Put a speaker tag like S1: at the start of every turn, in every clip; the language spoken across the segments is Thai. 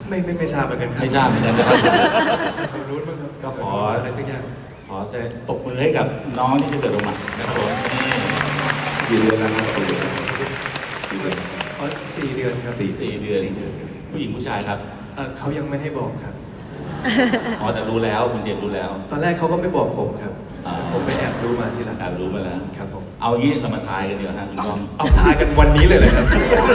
S1: ไม่ทราบเหมือนกันครับ
S2: ไม่ทราบเหมือนกันนะครับ
S1: ผมรู้มั้งครับ
S2: ก็ขอ
S1: อะไรสักอย่าง
S2: ขอตบมือให้กับน้องที่จะเกิดออกมานะครับผมนี่
S3: กี่เดือนแล้วครับกี่เดือน
S1: อ๋อ4 เดือนครับ
S2: สี่เดือน
S1: 4 เดือนครับ
S2: ผู้หญิงผู้ชายครับ
S1: เขายังไม่ให้บอกครับ
S2: อ๋อแต่รู้แล้วคุณเจมส์รู้แล้ว
S1: ตอนแรกเขาก็ไม่บอกผมครับ
S2: อ่า
S1: ผมไปแอบรู้มาทีหลัง
S2: แอบรู้มาแล้ว
S1: ครับผม
S2: เอางี้เรามาทายกันดีกว่าฮะคุณก้อง
S1: เอาทายกันวันนี้เลยครับ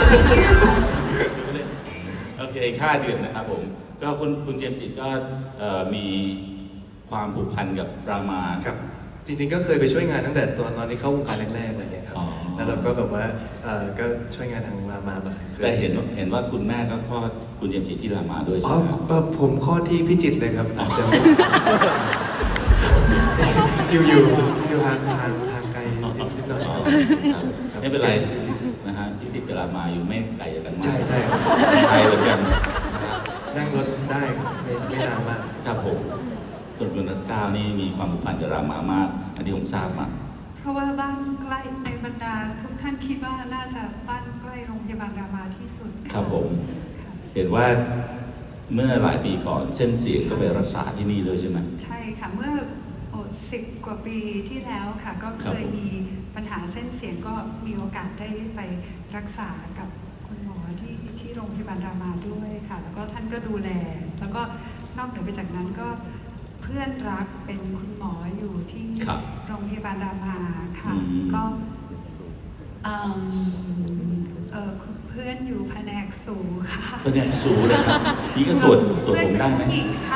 S2: โอเค5 เดือนนะครับผมก็คุณเจมส์จิตก็มีความผูกพันกับรามา
S1: ครับ จริงๆก็เคยไปช่วยงานตั้งแต่ตอนที่เข้าวงการแรกๆอะไรเงี้ยครับ
S2: อ๋อ
S1: แล้วเราก็แบบว่าก็ช่วยงานทางรามามาคย
S2: แต่เห็นว่าคุณแม่ก็คลอดคุณเจมส์จิตที่รามาด้วย
S1: อ๋
S2: ใช่
S1: อ
S2: ไหมครับ
S1: ผมข้อที่พิจิตรเลยครับอาจจะอยู่ห่างไกลนิดหน่อย
S2: อ๋อครับไม่เป็นไรนะฮะที่ติดกับรามาอยู่ไม่ไกลจากกันมาก
S1: ใช่
S2: ไกลเหมือนกันนะครับ
S1: นั่งรถได้ไม่นานมาก
S2: ครับผมส่วนคุณรัตก้าวนี่มีความผูกพันกับรามามากอันที่ผมทราบมา
S4: เพราะว่าบ้านใกล้ในบรรดาทุกท่านคิดว่าน่าจะบ้านใกล้โรงพยาบาลรามาที่สุดะ
S2: ครับผม
S4: ค่ะ
S2: เห็นว่าเมื่อหลายปีก่อนเส้นเสียงก็ไปรักษาที่นี่เลยใช่ไหม
S4: ใช่ค่ะ เมื่อ10 กว่าปีที่แล้วค่ะ ก็
S2: ครั
S4: เค
S2: บ
S4: ย
S2: ผม
S4: มีปัญหาเส้นเสียงก็มีโอกาสได้ไปรักษากับคุณหมอที่โรงพยาบาลรามาด้วยค่ะ แล้วก็ท่านก็ดูแล แล้วก็นอกเหนือไปจากนั้นก็เพื่อนรักเป็นคุณหมออยู่ที่
S2: ครับ
S4: โรงพยาบาลรามาค่ะ
S2: อืม
S4: ก็คุณเพื่อนอยู่แผนกสูค่ะ
S2: ก็เนี่ยสูเลยครับนี่ก็ตรวจผมได้ไหม
S4: เพื่อนผู้ญิงคะ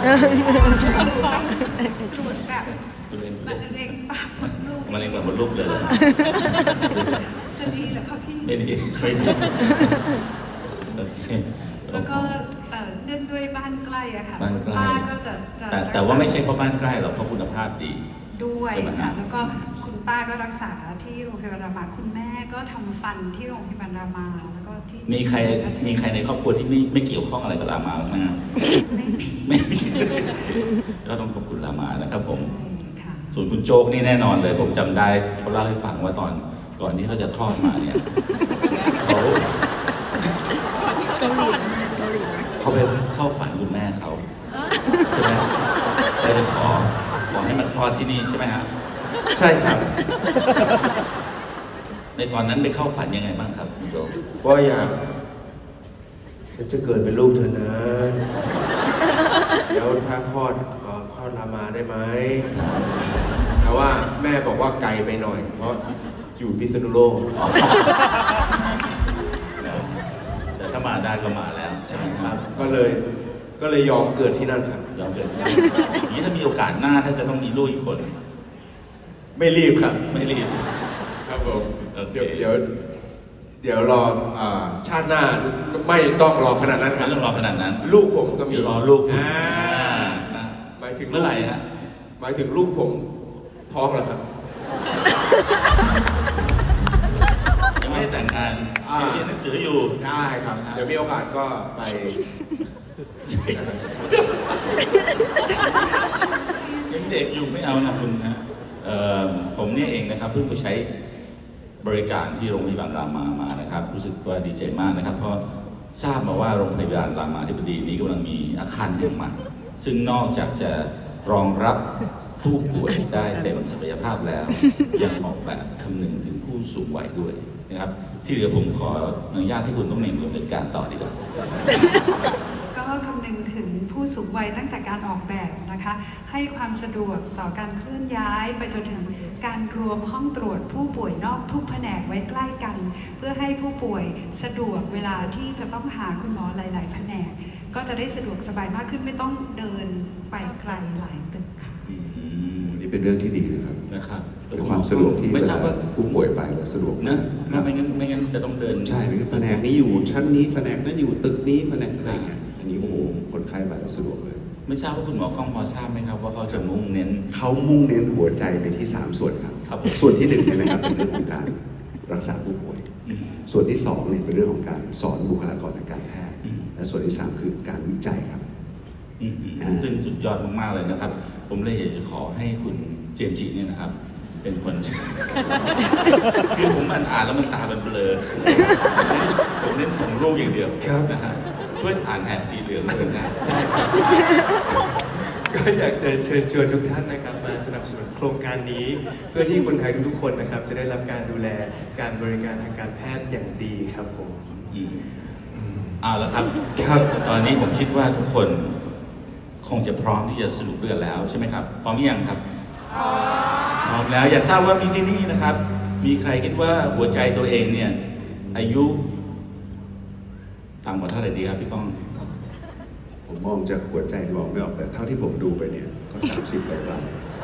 S4: ตรวจแบบ
S2: คุณเล่น
S4: มะเร็งปากมดลูก
S2: มะเร็งแบบมดลูกเลยเหรอ
S4: จะดีเหรอคะพี่
S2: ไม่ดีไม่ดีโอเค
S4: แล้วก็เนื่องด้วยบ้านใกล้อะค่ะ
S2: บ้านใกล้
S4: ป้าก็จะ
S2: แต่ว่าไม่ใช่เพราะบ้านใกล้หรอกเพราะคุณภาพดี
S4: ด้วย
S2: ใช่ไหม
S4: ค่ะ
S2: ฮะ
S4: แล้วก็คุณป้าก็รักษาที่โรงพยาบาลรามาคุณแม่ก็ทำฟันที่โรงพยาบาลรามาแล้วก็ที่
S2: มีใครในครอบครัวที่ไม่เกี่ยวข้องอะไรกับรามาบ้างไหมฮะ
S4: ไม่มี
S2: ไม่มี ก็ต้องขอบคุณรามานะครับผม
S4: ใช่ค่ะ
S2: ส่วนคุณโจ๊กนี่แน่นอนเลย ผมจำได้เขาเล่าให้ฟังว่าตอนก่อนที่เขาจะคลอดมาเนี่ยเขาเขาไปเข้าฝันคุณแม่เขาใช่ไหมได้ไปขอให้มันคลอดที่นี่ใช่ไหมฮะ
S1: ใช่ครับ
S2: ในตอนนั้นไปเข้าฝันยังไงบ้างครับคุณโจ๊ก
S3: ก็อยากฉันจะเกิดเป็นลูกเธอนะ เดี๋ยวถ้าคลอดคลอดรามาได้ไหมแต่ว่าแม่บอกว่าไกลไปหน่อย เพราะอยู่พิษณุโลก
S2: แต่ถ้ามาได้ก็มาแล้วใช่ไหมครับ
S3: ก็เลยยอมเกิดที่นั่นครับ
S2: ยอมเกิดอย่างนี้ถ้ามีโอกาสหน้าถ้าจะต้องมีลูกอีกคน
S3: ไม่รีบครับ
S2: ไม่รีบ
S3: ครับผม
S2: โอเค
S3: เดี๋ยวรอชาติหน้าไม่ต้องรอขนาดนั้นค
S2: ไม่
S3: รับ
S2: ต้องรอขนาดนั้น
S3: ลูกผมก็มี
S2: เดี๋ยวรอลูกคุณ นะ
S3: หมายถึง
S2: เมื่อไหร่ฮะ
S3: หมายถึงลูกผมท้องเหรอครับ
S2: ยังไม่ได้แต่งงาน
S3: อ่า
S2: ยังเรียนหนังสืออยู่
S3: ได้ครับ เดี๋ยวมีโอกาสก็ไป
S2: ยังเด็กอยู่ไม่เอานะคุณนะผมเนี่ยเองนะครับเพิ่งไปใช้บริการที่โรงพยาบาลรามานะครับ รู้สึกว่าดีใจมากนะครับ เพราะทราบมาว่าโรงพยาบาลรามาธิบดีนี้กำลังมีอาคารเรื่องใหม่ซึ่งนอกจากจะรองรับผู้ป่วยได้เต็มศักยภาพแล้ว ยังออกแบบคำนึงถึงผู้สูงวัยด้วยนะครับ ที่เหลือผมขออนุญาตให้คุณต้องเนมดำเนินการต่อดีกว่า
S4: ก็คำนึงถึงผู้สูงวัยตั้งแต่การออกแบบนะคะ ให้ความสะดวกต่อการเคลื่อนย้ายไปจนถึงการรวมห้องตรวจผู้ป่วยนอกทุกแผนกไว้ใกล้กัน เพื่อให้ผู้ป่วยสะดวกเวลาที่จะต้องหาคุณหมอหลาย ๆ แผนก ก็จะได้สะดวกสบายมากขึ้นไม่ต้องเดินไปไกลหลายตึกค่ะ
S5: นี่เป็นเรื่องที่ดีนะครับ
S2: นะครับ
S5: เป็นความสะดวกที่
S2: ไม่ทราบว่า
S5: ผู้ป่วยไปแล้วสะดวก
S2: นะไม่งั้นจะต้องเดิน
S5: ใช่ไหมแผนกนี้อยู่ชั้นนี้แผนกนั้นอยู่ตึกนี้แผนกอะไรเงี้ยอันนี้โอ้โหคนไข้ไปแล้วสะดวกเลย
S2: ไม่ทราบว่าคุณหมอกล้องพอทราบไหมครับว่าเขาจะมุ่งเน้น
S5: เขามุ่งเน้นหัวใจไปที่ 3 ส่วนครับ
S2: ครับ
S5: ส่วนที่1เนี่ยนะครับเป็นเรื่องของการรักษาผู้ป่วย ส่วนที่2เนี่ยเป็นเรื่องของการสอนบุคลากรทางการแพทย์ และส่วนที่3คือการวิจัยครับ
S2: ซึ่งสุดยอดมากๆเลยนะครับ ผมเลยอยากจะขอให้คุณเจมส์จิเนี่ยนะครับ เป็นคน คือผมอ่านแล้วมันตาเป็นเบลอผมเน้นส่งลูกอย่างเดียว
S1: ครับ
S2: นะฮะช่วยอ่านแถบสีเหลืองเลยนะ
S1: ก็อยากจะเชิญชวนทุกท่านนะครับมาสนับสนุนโครงการนี้ เพื่อที่คนไทยทุกๆคนนะครับจะได้รับการดูแลการบริการทางการแพทย์อย่างดีครับผม
S2: เอาละครับ
S1: ครับ
S2: ตอนนี้ผมคิดว่าทุกคนคงจะพร้อมที่จะสรุปเรื่องแล้วใช่ไหมครับ พร้อมหรือยังครับ พร้อมแล้วอยากทราบว่ามีที่นี่นะครับ มีใครคิดว่าหัวใจตัวเองเนี่ยอายุต่ำกว่าเท่าไหร่ดีครับพี่ก้อง
S5: ผมมองจากหัวใจมองไม่ออกแต่เท่าที่ผมดูไปเนี่ยก็30ปลาย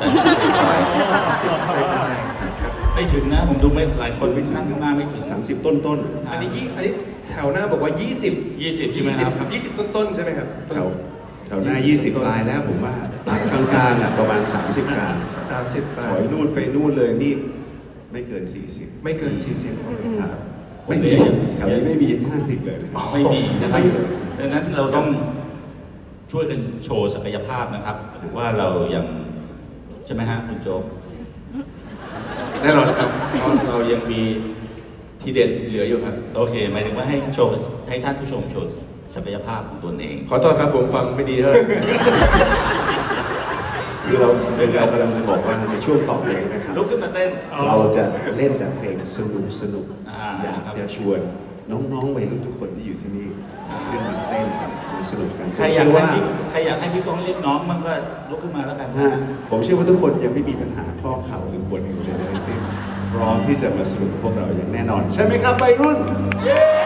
S2: 30ไม่ถึงนะผมดูไม่หลายคนไม่นั่งข้างหน้าไม่ถึง
S5: ๆ30 ต้น
S1: อันนี้แถวหน้าบอกว่า 20
S2: 20ใช่ไหมครับ
S1: 20 ต้นๆใช่ไหมครับ
S5: ๆแถวหน้า 20 ปลายแล้วผมว่ากลางๆอ่ะประมาณ 30 กลาง
S1: 30
S5: ถอยนู่นไปนู่นเลยนี่ไม่เกิน 40
S1: ไม่เกิน 40
S5: ครับไม่มีแถวนี้ไม่มี50เลยนะครับ
S2: ไม่มี
S5: ยัง
S2: นะครับ
S5: ไม่เลย
S2: ดังนั้นเราต้องช่วยกันโชว์ศักยภาพนะครับ ว่าเรายังใช่ไหมฮะคุณโจ๊ก
S3: แน่นอนครับเพราะเรายังมีทีเด็ดเหลืออยู่ครับ
S2: โอเคหมายถึงว่าให้โชว์ให้ท่านผู้ชมโชว์ศักยภาพของตนเอง
S3: ขอโทษครับผมฟังไม่ดีเท่าไหร่
S5: คือเรากำลังจะบอกว่าในช่วงต่อไปนะครับ
S2: ลุกขึ้นมาเต้น
S5: เราจะเล่นแต่เพลงสนุก
S2: อ่า
S5: อยากจะชวนน้องๆวัยรุ่นทุกคนที่อยู่ที่นี่ขึ้นมาเต้นกันมาสนุกกัน
S2: ใครอยากให้พี่ก้องเรียกน้องมันก็ลุกขึ้นมาแล้วกัน
S5: ผมเชื่อว่าทุกคนยังไม่มีปัญหาข้อเข่าหรือปวดเอวใดๆทั้งสิ้นพร้อมที่จะมาสนุกกับพวกเราอย่างแน่นอน ใช่ไหมครับวัยรุ่น
S2: เย้